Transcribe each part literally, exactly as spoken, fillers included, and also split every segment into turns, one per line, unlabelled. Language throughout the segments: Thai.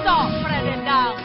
จาะประเด็นดัง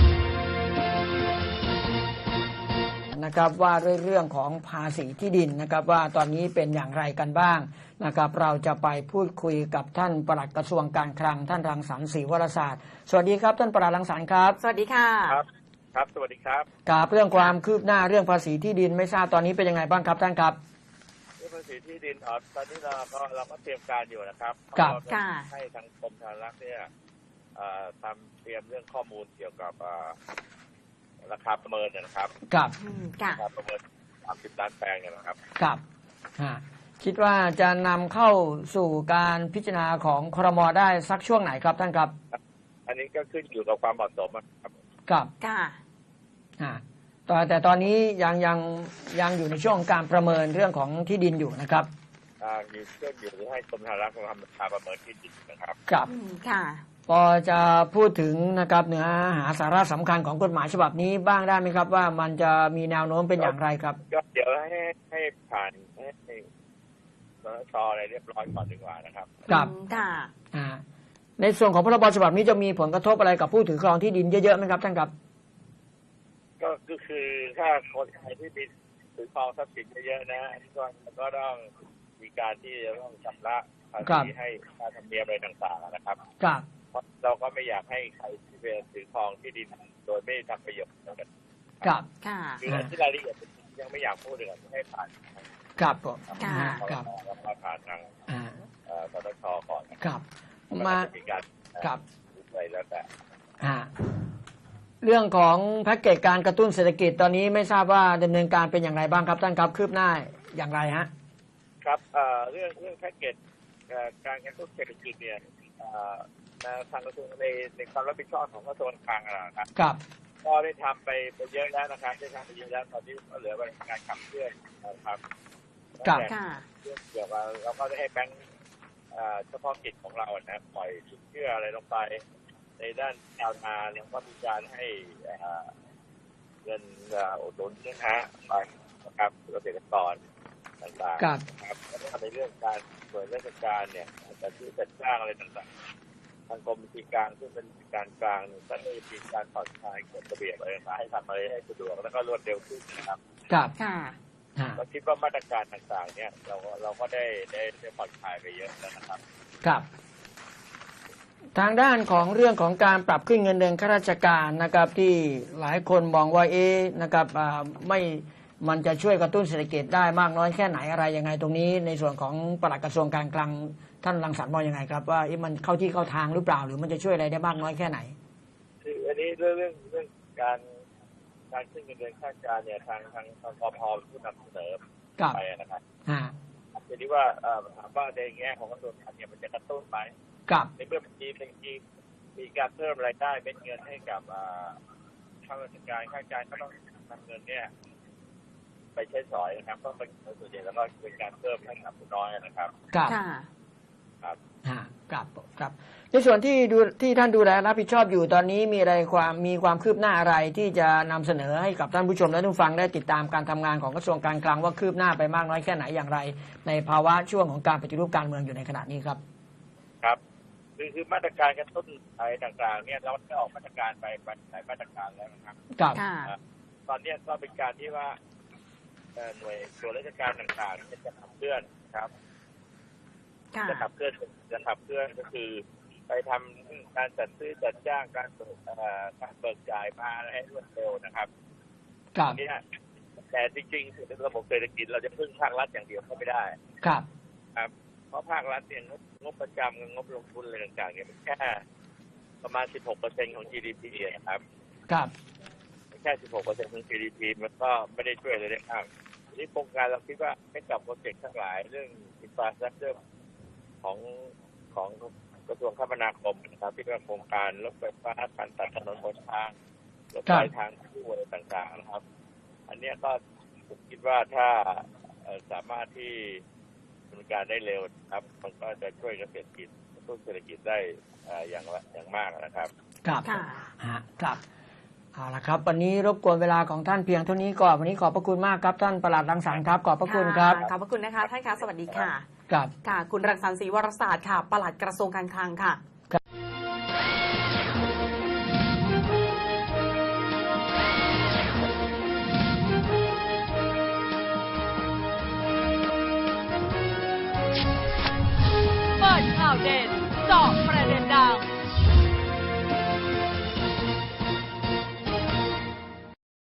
นะครับว่าด้วยเรื่องของภาษีที่ดินนะครับว่าตอนนี้เป็นอย่างไรกันบ้างนะครับเราจะไปพูดคุยกับท่านปลัดกระทรวงการคลังท่านรังสรรค์ศรีวรศาสตร์สวัสดีครับท่านปลัดรังสรรค์ครับ
สวัสดีค่ะ
ครับครับสวัสดีครับ
กับเรื่องความคืบหน้าเรื่องภาษีที่ดินไม่ทราบตอนนี้เป็นยังไงบ้างครับท่านครับ
เรื่องภาษีที่ดินอ๋อตอนนี้เราก็เราก็เตรียมการอยู่นะครับ
ครับ
ให้ทางกรมธนารักษ์เนี่ยทำเตรียมเรื่องข้อมูลเกี่ยวกับราคาประเมินนะครับ
ครับ
ราคาประเมินสามสิบล้านแปลงเนี่ยนะครับ
ครับคิดว่าจะนำเข้าสู่การพิจารณาของครม.ได้สักช่วงไหนครับท่านครับ
อันนี้ก็ขึ้นอยู่กับความเหมาะสมครับ
ครับ
ค่ะ
แต่แต่ตอนนี้ยังยังยังอยู่ในช่วงการประเมินเรื่องของที่ดินอยู่นะครับ
อ่าอยู่เรื่องอยู่ให้กรมธนารักษ์ทำราคาประเมินที่ดินนะครับ
ครับ
ค่ะ
พอจะพูดถึงนะครับเนื้อหาสาระสำคัญของกฎหมายฉบับนี้บ้างได้ไหมครับว่ามันจะมีแนวโน้มเป็นอย่างไรครับ
ก็เดี๋ยวให้ให้ผ่านให้สนช.อะไรเรียบร้อยก่อนดีกว่านะครับ
ครับ
ค่ะ
อ่าในส่วนของพรบฉบับนี้จะมีผลกระทบอะไรกับผู้ถือครองที่ดินเยอะๆไหมครับท่านครับ
ก็คือถ้าคนไทยที่มีถือครองทรัพย์สินเยอะๆนะก็ก็ต้องมีการที่จะต้องชำระภาษีให้ค่าธรรมเนียมอะไรต่างๆนะครับ
ครับ
เพราะเราก็ไม่อยากให้ใครที่เป็นถือครองที่ดินโดยไม่ทำประโยชน์กัน
ครับ
ค่ะ
คือที่รายละเอียดยังไม่อยากพูดเลยให้ผ่าน
ครับผม
ครับผ่านทางสนช.ก่อน
ครับมา
ครับอะไรแล้วแต่
เรื่องของแพ็กเกจการกระตุ้นเศรษฐกิจตอนนี้ไม่ทราบว่าดำเนินการเป็นอย่างไรบ้างครับท่านครับคืบหน้าอย่างไรฮะ
ครับเรื่องเรื่องแพ็กเกจการกระตุ้นเศรษฐกิจเนี่ยทางกระทรวงในในความรับผิดชอบของกระทรวงการคลังนะครับก็ได้ทำไปไปเยอะแล้วนะครับได้ทำไปเยอะแล้วตอนนี้ก็เหลือการขับเคลื่อนนะครับ
ครับ
เรื่องเกี่ยวกับเราก็ได้ให้แบงก์เฉพาะกิจของเรานะปล่อยสินเชื่ออะไรลงไปในด้านชาวนาแล้วก็มีการให้เงินอุดหนุนนะฮะไปนะครับเกษตรกรต่างๆครับแล้วก็ในเรื่องการหน่วยราชการเนี่ยการซื้อจัดจ้างอะไรต่างๆทางกรมบัญชีกลางซึ่งเป็นการกลางก็ได้มีการผ่อนคลายกฎระเบียบอะไรต่างๆให้ทำอะไรให้สะดวกแล้วก็รวดเร็วขึ้นนะครับ
ครับ
ค่ะ
เราคิดว่ามาตรการต่างๆเนี่ยเราเราก็ได้ได้ได้ผ่อนคลายไปเยอะแล้วนะครับ
ครับทางด้านของเรื่องของการปรับขึ้นเงินเดือนข้าราชการนะครับที่หลายคนมองว่าเอ๊ะนะครับไม่มันจะช่วยกระตุ้นเศรษฐกิจได้มากน้อยแค่ไหนอะไรยังไงตรงนี้ในส่วนของปลัดกระทรวงการคลังท่านรังสรรค์มองยังไงครับว่ามันเข้าที่เข้าทางหรือเปล่าหรือมันจะช่วยอะไรได้มากน้อยแค่ไหน
คืออันนี้เรื่องเรื่องเรื่องการการขึ้นเงินเดือนข้าราชการเนี่ยทางทางทางกพ.เป็นผู้นำเสนอไปนะครับทีนี้ว่าถามว่าในแง่ของกระทรวงการเนี่ยมันจะกระตุ้นไหมในเมื่อมีมีมีการเพิ่มรายได้เป็นเงินให้กับข้าราชการข้าราชการก็ต้องนำเงินเนี่ยไปใช้สอยนะครับก็เป็นส่วนใหญ่แล้วก็เป็นการเพิ่มให้กับผู้น้อยนะครับ
ครับครับครับครับในส่วนที่ดูที่ท่านดูแลรับผิดชอบอยู่ตอนนี้มีอะไรความมีความคืบหน้าอะไรที่จะนำเสนอให้กับท่านผู้ชมและผู้ฟังได้ติดตามการทำงานของกระทรวงการคลังว่าคืบหน้าไปมากน้อยแค่ไหนอย่างไรในภาวะช่วงของการปฏิรูปการเมืองอยู่ในขณะนี้ครับ
ครับคือคือมาตรการกระตุ้นอะไรต่างๆเนี่ยเราได้ออกมาตรการไปหลายมาตรการแล้วนะครับ
ครับ
ตอนนี้ก็เป็นการที่ว่าหน่วยส่วนราชการต่างๆจะขับเคลื่อนครับจะขับเคลื่อนจะขับเคลื่อนก็คือไปทำการจัดซื้อจัดจ้างการการเบิกจ่ายมาให้รวดเร็วนะครับนี่แต่จริงๆในระบบเศรษฐกิจเราจะพึ่งภาครัฐอย่างเดียวก็ไม่ได้
ครับ
ครับเพราะภาครัฐเนี่ยงบประจำกับงบลงทุนอะไรต่างๆเนี่ยมันแค่ประมาณ สิบหกเปอร์เซ็นต์ ของ จี ดี พี นะครับ
ครับ
แค่ สิบหกเปอร์เซ็นต์ ของ จี ดี พี มันก็ไม่ได้ช่วยอะไรได้มากนี่โครงการเราคิดว่าให้กับโปรเจกต์ทั้งหลายเรื่องอินฟราสตรัคเจอร์ของของกระทรวงคมนาคมนะครับที่เป็นโครงการรถไฟฟ้าการตัดถนนบนทางรถไฟทางคู่อะไรต่างๆนะครับอันนี้ก็ผมคิดว่าถ้าสามารถที่ดำเนินการได้เร็วครับมันก็จะช่วยเกษตรกิจกระตุ้นเศรษฐกิจได้อย่างอย่างมากนะครับ
ครับครับเอาละครับวันนี้รบกวนเวลาของท่านเพียงเท่านี้ก่อนวันนี้ขอบพระคุณมากครับท่านปลัดรังสรรค์ครับขอบพระคุณครับ
ขอบพระคุณนะคะท่านคะสวัสดีค่ะ
ครับ
ค่ะคุณรังสรรค์ศรีวรศาสตร์ค่ะปลัดกระทรวงการคลังค่ะข่าวเด่นเจาะประเด็นดัง